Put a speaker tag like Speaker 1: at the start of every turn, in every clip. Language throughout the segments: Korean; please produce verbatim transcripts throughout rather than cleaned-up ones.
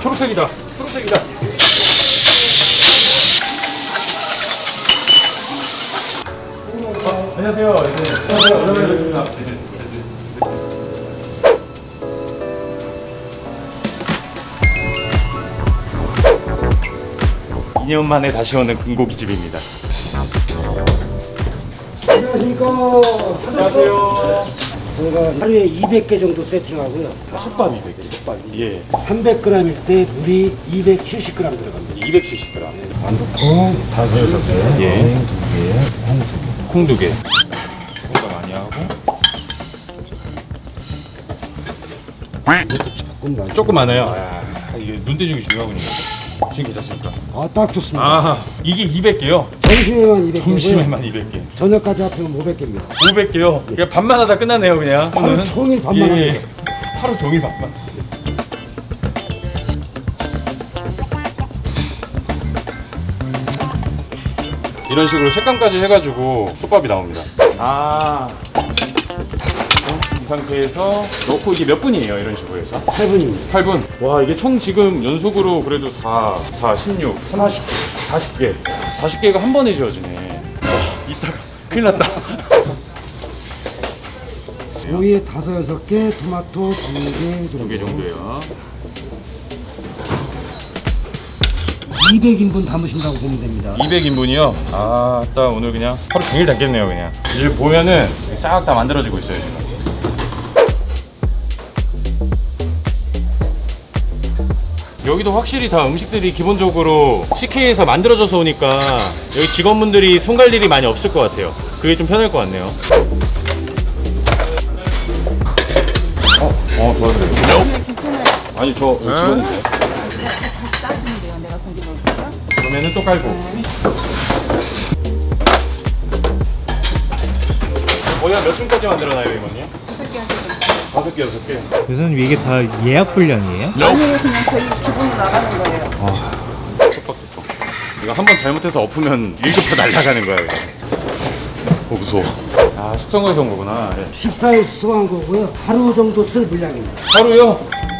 Speaker 1: 초록색이다. 초록색이다. 어, 안녕하세요. 네. 안녕하세요. 오랜만에 뵙습니다. 이 년 만에 다시 오는 금고기집입니다.
Speaker 2: 안녕하십니까.
Speaker 1: 안녕하세요.
Speaker 2: 저희가 하루에 이백 개 정도 세팅하고요.
Speaker 1: 솥밥 이백 개.
Speaker 2: 솥밥이.
Speaker 1: 예.
Speaker 2: 삼백 그램일 때 물이 이백칠십 그램 들어갑니다.
Speaker 1: 이백칠십 그램.
Speaker 3: 완두콩 다섯 여섯 개,
Speaker 1: 예.
Speaker 3: 어행 두 개, 홍 두 개.
Speaker 1: 콩 두 개. 콩가 많이 하고.
Speaker 2: 조금 많이.
Speaker 1: 조금 많아요. 아, 이게 눈대중이 중요하군요. 지금 괜찮습니까?
Speaker 2: 아, 딱 좋습니다.
Speaker 1: 아, 이게 이백 개요?
Speaker 2: 점심에만 이백 개고요.
Speaker 1: 점심에만 이백 개.
Speaker 2: 저녁까지 합치면 오백 개입니다.
Speaker 1: 오백 개요? 그냥 밥만 하다 끝나네요, 그냥.
Speaker 2: 하루
Speaker 1: 오늘은.
Speaker 2: 종일 밥만
Speaker 1: 예,
Speaker 2: 하는
Speaker 1: 예.
Speaker 2: 거죠.
Speaker 1: 하루 종일 밥만. 이런 식으로 색감까지 해가지고 솥밥이 나옵니다. 아. 이 상태에서 넣고 이게 몇 분이에요, 이런 식으로 해서?
Speaker 2: 팔 분입니다.
Speaker 1: 팔 분. 와, 이게 총 지금 연속으로 그래도 사, 사, 십육,
Speaker 2: 사십 개.
Speaker 1: 사십 개. 사십 개가 한 번에 지어지네. 와, 이따가 큰일 났다.
Speaker 2: 오이에 다섯 여섯 개, 토마토 두 개 정도.
Speaker 1: 두 개 정도예요.
Speaker 2: 이백 인분 담으신다고 보면 됩니다.
Speaker 1: 이백 인분이요? 아, 딱 오늘 그냥 하루 종일 담겠네요, 그냥. 이제 보면은 싹 다 만들어지고 있어요, 지금. 여기도 확실히 다 음식들이 기본적으로 씨케이에서 만들어져서 오니까 여기 직원분들이 손 갈 일이 많이 없을 것 같아요. 그게 좀 편할 것 같네요. 어, 어, 도와드려요.
Speaker 4: 괜찮아요.
Speaker 1: 아니, 저 여기 직원인데.
Speaker 4: 다시 따시면 돼요. 내가 고기 넣을게요.
Speaker 1: 그러면은 또 깔고. 거의 한 몇 층까지 만들어놔요, 이건요?
Speaker 4: 다섯 개 하셔도 돼요.
Speaker 1: 다섯 개, 여섯 개.
Speaker 5: 교수님 이게 다 예약 분량이에요?
Speaker 4: 아니에요. 그냥 저희 기본으로 나가는 거예요.
Speaker 1: 촉박 촉박. 이거 한 번 잘못해서 엎으면 일 급 다 날아가는 거야, 이거. 어, 무서워. 아, 숙성거에서 온 거구나. 예.
Speaker 2: 십사 일 수송한 거고요. 하루 정도 쓸 분량입니다.
Speaker 1: 하루요?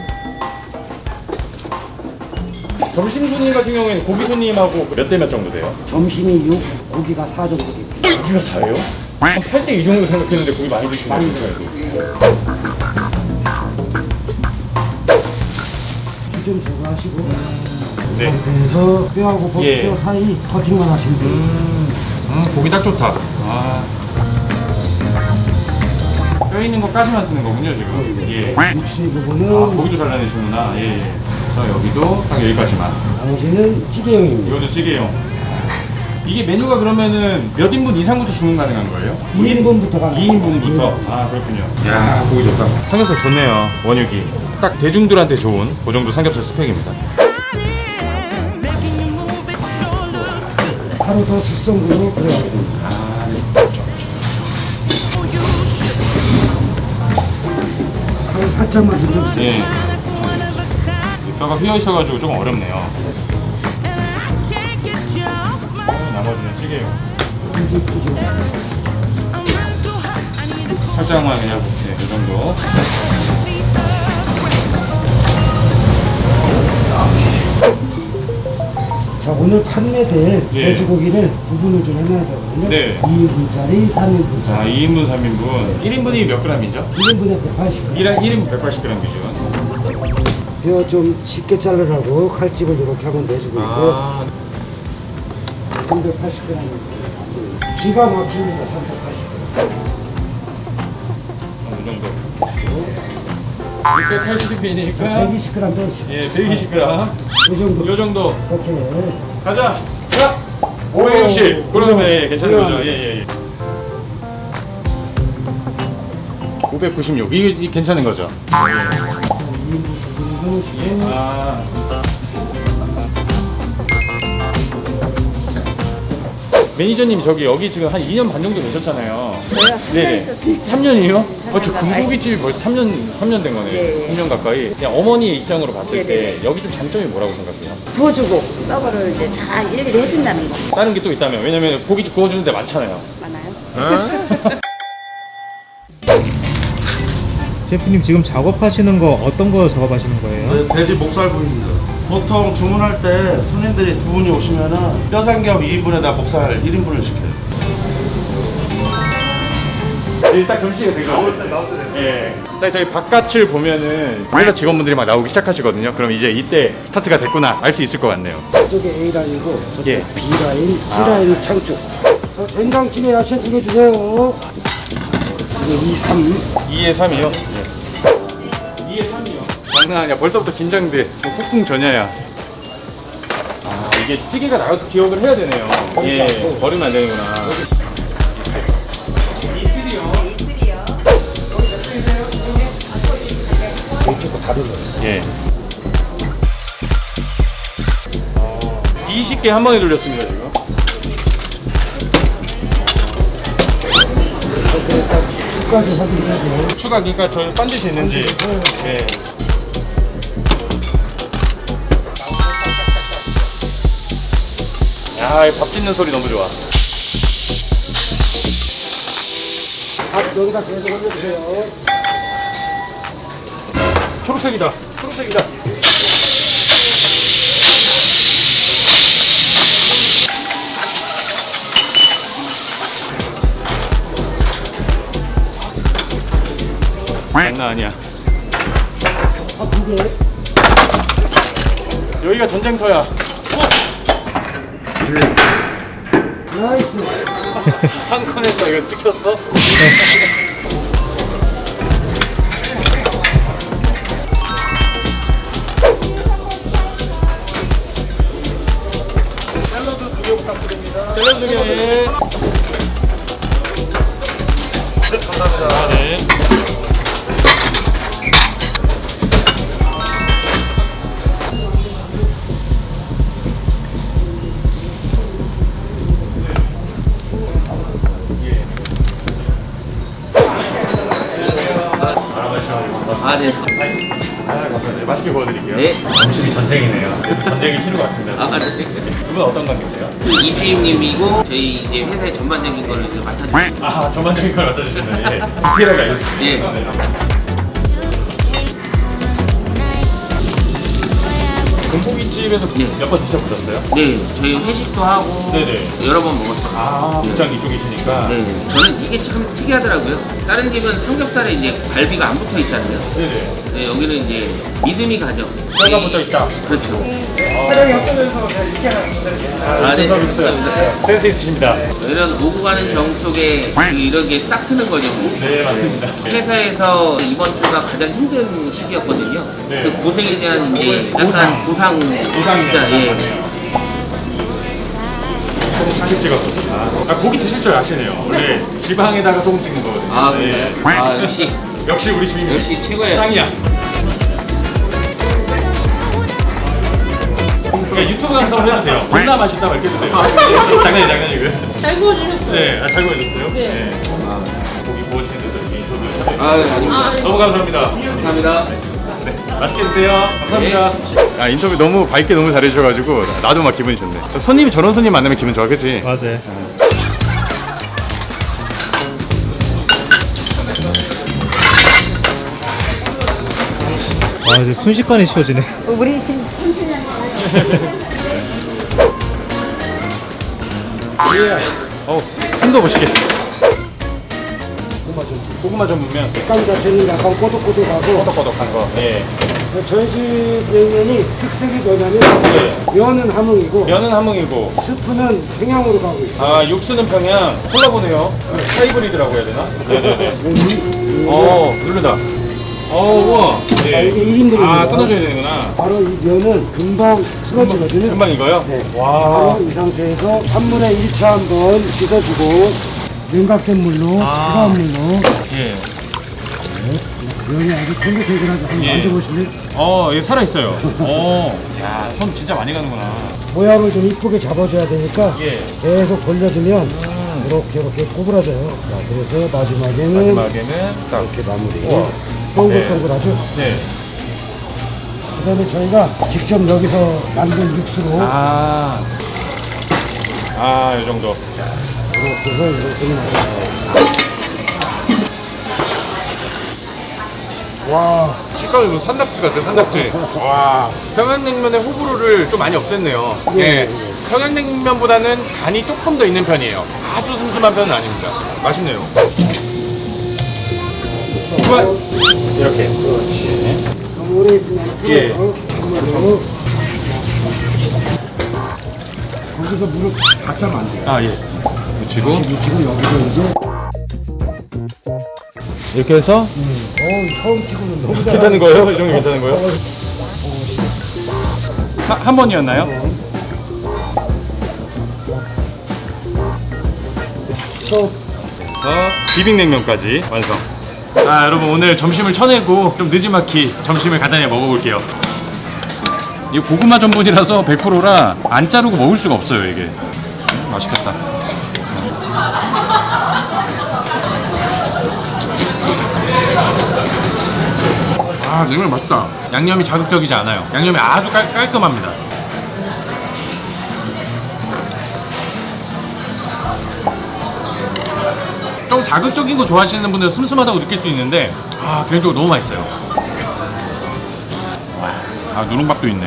Speaker 1: 점심 손님 같은 경우에는 고기 손님하고 몇 대 몇 정도 돼요?
Speaker 2: 점심이 육, 고기가 사 정도 됩니다.
Speaker 1: 고기가 사예요? 한 팔 대 이 정도 생각했는데 고기 많이 드시는
Speaker 2: 많이
Speaker 1: 거예요.
Speaker 2: 좀 제거하시고
Speaker 1: 네.
Speaker 2: 그래서 뼈하고 버-
Speaker 1: 예.
Speaker 2: 뼈 사이 커팅만 하시면 돼요.
Speaker 1: 음, 음, 고기 딱 좋다. 아. 뼈 있는 거까지만 쓰는 거군요, 지금. 예. 아,
Speaker 2: 육수 부분은
Speaker 1: 고기도 잘라내시구나. 예, 예. 자, 여기도 딱 여기까지만.
Speaker 2: 나머지는 찌개용입니다.
Speaker 1: 이것도 찌개용. 이게 메뉴가 그러면은 몇 인분 이상부터 주문 가능한 거예요?
Speaker 2: 이 인분부터 가능해요.
Speaker 1: 이 인분부터? 아, 그렇군요. 야, 고기 좋다. 삼겹살 좋네요, 원육이. 딱 대중들한테 좋은 그 정도 삼겹살 스펙입니다.
Speaker 2: 하루 더 숙성으로 들어가겠습니다.
Speaker 1: 아, 네.
Speaker 2: 하루 살짝만 들려주세요.
Speaker 1: 예. 뼈가 휘어 있어가지고 조금 어렵네요. 나머지는 찌개용. 살짝만 그냥 네, 이 정도.
Speaker 2: 자, 오늘 판매될
Speaker 1: 예.
Speaker 2: 돼지고기를 구분을 좀 해놔야 되거든요.
Speaker 1: 네.
Speaker 2: 이 인분짜리, 삼 인분짜리.
Speaker 1: 자, 이 인분, 삼 인분. 일 인분이 몇 그램이죠?
Speaker 2: 일 인분에 백팔십 그램.
Speaker 1: 일 인분 백팔십 그램 기준.
Speaker 2: 뼈 좀 쉽게 자르라고 칼집을 이렇게 하고 내주고 있고
Speaker 1: 아,
Speaker 2: 삼백팔십 그램. 기가 막힙니다. 삼백팔십 그램.
Speaker 1: 어, 이 정도. 육백팔십 인이니까
Speaker 2: 백이십 그램 빼주시고.
Speaker 1: 예, 백이십 그램.
Speaker 2: 이 정도.
Speaker 1: 요 정도.
Speaker 2: 이렇게.
Speaker 1: 가자. 자, 오백육십. 그러면 예, 괜찮은 거죠? 예, 예, 예. 오백구십육. 이게, 이게 괜찮은 거죠?
Speaker 2: 이 인분 정도 주고.
Speaker 1: 아. 매니저님 저기 여기 지금 한 이 년 반 정도 되셨잖아요.
Speaker 4: 저희가 삼 년 있었으니까.
Speaker 1: 삼 년이요? 어, 저
Speaker 4: 가까이.
Speaker 1: 금고기집이 벌써 삼 년, 삼 년 된 거네요.
Speaker 4: 네.
Speaker 1: 삼 년 가까이. 그냥 어머니 입장으로 봤을 때
Speaker 4: 네네.
Speaker 1: 여기 좀 장점이 뭐라고 생각해요?
Speaker 4: 구워주고 서버를 이제 다 일일이 해준다는 거
Speaker 1: 다른 게 또 있다면? 왜냐면 고깃집 구워주는 데 많잖아요.
Speaker 4: 많아요?
Speaker 5: 셰프님 지금 작업하시는 거 어떤 거 작업하시는 거예요?
Speaker 3: 돼지 목살 부위입니다.
Speaker 6: 보통 주문할 때 손님들이 두 분이 오시면은 뼈삼겹 이 인분에다 목살 일 인분을 시켜요.
Speaker 1: 일단 결시가 되거든요. 예. 딱 저희 바깥을 보면은 회사 직원분들이 막 나오기 시작하시거든요. 그럼 이제 이때 스타트가 됐구나 알 수 있을 것 같네요.
Speaker 2: 저쪽에 A라인이고 저쪽
Speaker 1: 예.
Speaker 2: B라인, C라인 창쪽. 어, 된장찌개 야채 두 개 주세요. 이거 이, 삼.
Speaker 1: 이에 삼이요? 예. 이에 삼이요. 장난 아니야. 벌써부터 긴장돼. 뭐 폭풍 전야야. 아 이게 찌개가 나가서 기억을 해야 되네요. 예. 버리면 안 되는구나.
Speaker 2: 이쪽도 다 들어요.
Speaker 1: 예. 어, 이십 개 한 번에 돌렸습니다 지금.
Speaker 2: 술까지 확인해야 돼요.
Speaker 1: 추가 그러니까 저 반드시 있는지. 예. 야, 이밥 짓는 소리 너무 좋아.
Speaker 2: 밥 여기다 계속 올려주세요.
Speaker 1: 초록색이다. 초록색이다. 장난 아니야.
Speaker 2: 밥두 개.
Speaker 1: 여기가 전쟁터야.
Speaker 2: 나이스.
Speaker 1: 한 칸에서 이거 찍혔어? 샐러드 두 개 부탁드립니다. 샐러드 두 개. 네, 감사합니다. 네.
Speaker 7: 아, 네.
Speaker 1: 아, 감사합니다. 맛있게 구워드릴게요.
Speaker 7: 네.
Speaker 1: 음식이 전쟁이네요. 전쟁이 치는 것 같습니다.
Speaker 7: 아, 네.
Speaker 1: 두 분 어떤 관계세요?
Speaker 7: 그 이주임님이고 저희 이제 회사의 전반적인 거를 이제 맡아주고.
Speaker 1: 아, 전반적인 걸 맡아주시면 예. 디테일하게 알려주세요.
Speaker 7: 예.
Speaker 1: 금고기집에서
Speaker 7: 예.
Speaker 1: 몇 번 드셔보셨어요?
Speaker 7: 네, 저희 회식도 하고
Speaker 1: 네네.
Speaker 7: 여러 번 먹었어요.
Speaker 1: 아, 복장 이쪽이시니까.
Speaker 7: 네, 저는 이게 참 특이하더라고요. 다른 집은 삼겹살에 이제 갈비가 안 붙어 있잖아요.
Speaker 1: 네네.
Speaker 7: 네, 여기는 이제 믿음이 가죠.
Speaker 1: 뼈가
Speaker 7: 네.
Speaker 1: 붙어 있다.
Speaker 7: 그렇죠.
Speaker 1: 사장님 어쩌면서 이렇게 하는
Speaker 7: 아, 네.
Speaker 1: 감사합니다. 센스 있으십니다.
Speaker 7: 이런 오고 가는 정 속에 그 이렇게 싹 트는 거죠.
Speaker 1: 네, 맞습니다.
Speaker 7: 회사에서 이번 주가 가장 힘든 시기였거든요.
Speaker 1: 네.
Speaker 7: 그 고생에 대한 이제 약간
Speaker 1: 보상.
Speaker 7: 보상,
Speaker 1: 보상이네요.
Speaker 7: 진짜 예.
Speaker 1: 사진 찍었어. 아, 고기 드실 줄 아시네요. 원래 지방에다가 소금 찍는 거거든요.
Speaker 7: 아,
Speaker 1: 네.
Speaker 7: 그래요? 아, 역시
Speaker 1: 역시 우리 주인님.
Speaker 7: 역시 최고예요.
Speaker 1: 짱이야. 그러니까 유튜브 감성으로 해도 돼요. 존나 맛있다고 이렇게 해도 돼요. 장난이 장난이고요.
Speaker 4: 잘 구워주셨어요.
Speaker 1: 네, 아, 잘 구워줬어요. 네. 아, 고기 구워주시는데도 인터뷰.
Speaker 7: 아, 네, 아닙니다.
Speaker 1: 너무 감사합니다.
Speaker 7: 감사합니다.
Speaker 1: 네, 맛있게 드세요. 감사합니다. 아, 인터뷰 너무 밝게 너무 잘해주셔가지고 나도 막 기분이 좋네. 손님이 저런 손님 만나면 기분 좋아, 그치?
Speaker 5: 맞아요. 아, 이제 순식간에 씌워지네.
Speaker 4: 우리 천천히
Speaker 1: 어, 숨도 못 쉬겠어. 고구마 좀 보면
Speaker 2: 식감 자체는 약간 꼬독꼬독하고
Speaker 1: 꼬덕꼬덕한 거. 예.
Speaker 2: 저희 집 냉면이 특색이 뭐냐면
Speaker 1: 네.
Speaker 2: 면은 함흥이고
Speaker 1: 면은 함흥이고,
Speaker 2: 스프는 평양으로 가고 있어요.
Speaker 1: 아, 육수는 평양. 콜라보네요. 하이브리드라고 해야 되나? 네네네.
Speaker 2: 이-
Speaker 1: 어, 누르다. 어, 우와.
Speaker 2: 아,
Speaker 1: 네.
Speaker 2: 이게 일 인분입니다.
Speaker 1: 아, 끊어줘야 되는구나.
Speaker 2: 바로 이 면은 금방 풀어지거든요.
Speaker 1: 금방 이거요?
Speaker 2: 네.
Speaker 1: 와.
Speaker 2: 바로 이 상태에서 한 분에 일 차 한번 씻어주고 냉각된 물로
Speaker 1: 아.
Speaker 2: 차가운 물로
Speaker 1: 예.
Speaker 2: 면이 아주 탱글탱글하게 한번
Speaker 1: 예.
Speaker 2: 만져보시면
Speaker 1: 어, 얘 살아있어요. 어. 야, 손 진짜 많이 가는구나.
Speaker 2: 모양을 좀 이쁘게 잡아줘야 되니까
Speaker 1: 예.
Speaker 2: 계속 돌려주면
Speaker 1: 음.
Speaker 2: 이렇게 이렇게 구부러져요. 자, 그래서 마지막에는
Speaker 1: 마지막에는 딱.
Speaker 2: 이렇게 마무리.
Speaker 1: 우와.
Speaker 2: 동글동글하죠.
Speaker 1: 네.
Speaker 2: 그다음에 저희가 직접 여기서 만든 육수로
Speaker 1: 아. 아, 이 정도.
Speaker 2: 이렇게 해서 이렇게 나와요.
Speaker 1: 와, 식감이 무슨 산낙지 같아, 산낙지. 와, 평양냉면의 호불호를 좀 많이 없앴네요.
Speaker 2: 예,
Speaker 1: 예.
Speaker 2: 예.
Speaker 1: 평양냉면보다는 간이 조금 더 있는 편이에요. 아주 슴슴한 편은 아닙니다. 맛있네요. 이건 이렇게.
Speaker 2: 너무 오래 있으면
Speaker 1: 예.
Speaker 2: 한번더 거기서 무릎 받자면 안 돼요.
Speaker 1: 아, 예. 묻히고.
Speaker 2: 지금 여기서 이제
Speaker 1: 이렇게 해서.
Speaker 2: 어우 처음 치고는 너무 잘.
Speaker 1: 괜찮은 거예요? 이 정도 괜찮은 거예요? 하, 한 번이었나요?
Speaker 2: 저
Speaker 1: 어, 비빔냉면까지 완성. 아, 여러분 오늘 점심을 쳐내고 좀 느지막이 점심을 간단히 먹어볼게요. 이 고구마 전분이라서 백 퍼센트라 안 자르고 먹을 수가 없어요 이게. 음, 맛있겠다. 아, 냉면 맛있다. 양념이 자극적이지 않아요. 양념이 아주 깔, 깔끔합니다. 좀 자극적인 거 좋아하시는 분들은 슴슴하다고 느낄 수 있는데 아, 개인적으로 너무 맛있어요. 아, 누룽밥도 있네.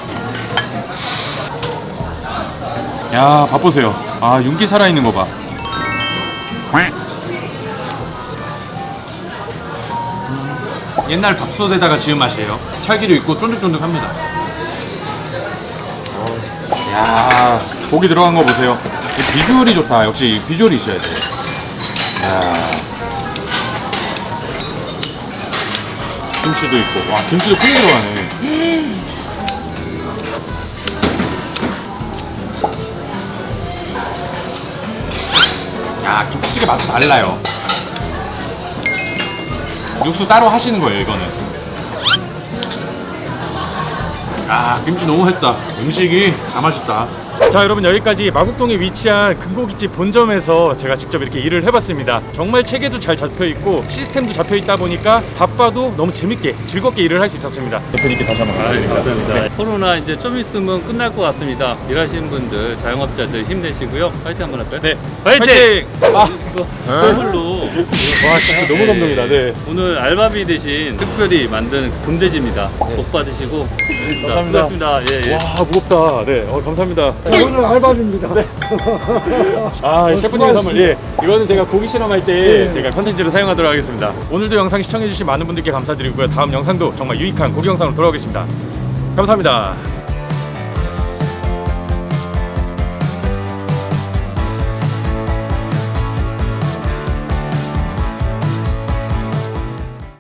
Speaker 1: 야, 밥 보세요. 아, 윤기 살아있는 거 봐. 옛날 밥솥에다가 지은 맛이에요. 찰기도 있고 쫀득쫀득합니다. 야, 고기 들어간 거 보세요. 비주얼이 좋다. 역시 비주얼이 있어야 돼. 야. 김치도 있고. 와, 김치도 크게 들어가네. 야, 김치찌개 맛이 달라요. 육수 따로 하시는 거예요, 이거는. 아, 김치 너무 했다. 음식이 다 맛있다. 자, 여러분 여기까지 마곡동에 위치한 금고기집 본점에서 제가 직접 이렇게 일을 해봤습니다. 정말 체계도 잘 잡혀있고 시스템도 잡혀있다 보니까 바빠도 너무 재밌게 즐겁게 일을 할 수 있었습니다. 대표님께 다시 한번 감사드립니다.
Speaker 8: 감사합니다.
Speaker 1: 네.
Speaker 8: 코로나 이제 좀 있으면 끝날 것 같습니다. 일하시는 분들, 자영업자들 힘내시고요. 파이팅 한번 할까요?
Speaker 1: 네,
Speaker 8: 파이팅!
Speaker 1: 아,
Speaker 8: 이거 선물로
Speaker 1: 와, 진짜 너무 감동이다. 네.
Speaker 8: 오늘 알바비 대신 특별히 만든 금돼지입니다. 복 받으시고
Speaker 1: 감사합니다.
Speaker 8: 수고하셨습니다. 예, 예.
Speaker 1: 와, 무겁다. 네, 어, 감사합니다.
Speaker 2: 오늘 알바입니다.
Speaker 1: 네. 아, 셰프님 선물. 예. 이거는 제가 고기 실험할 때 제가 컨텐츠로 사용하도록 하겠습니다. 오늘도 영상 시청해주신 많은 분들께 감사드리고요. 다음 영상도 정말 유익한 고기 영상으로 돌아오겠습니다. 감사합니다.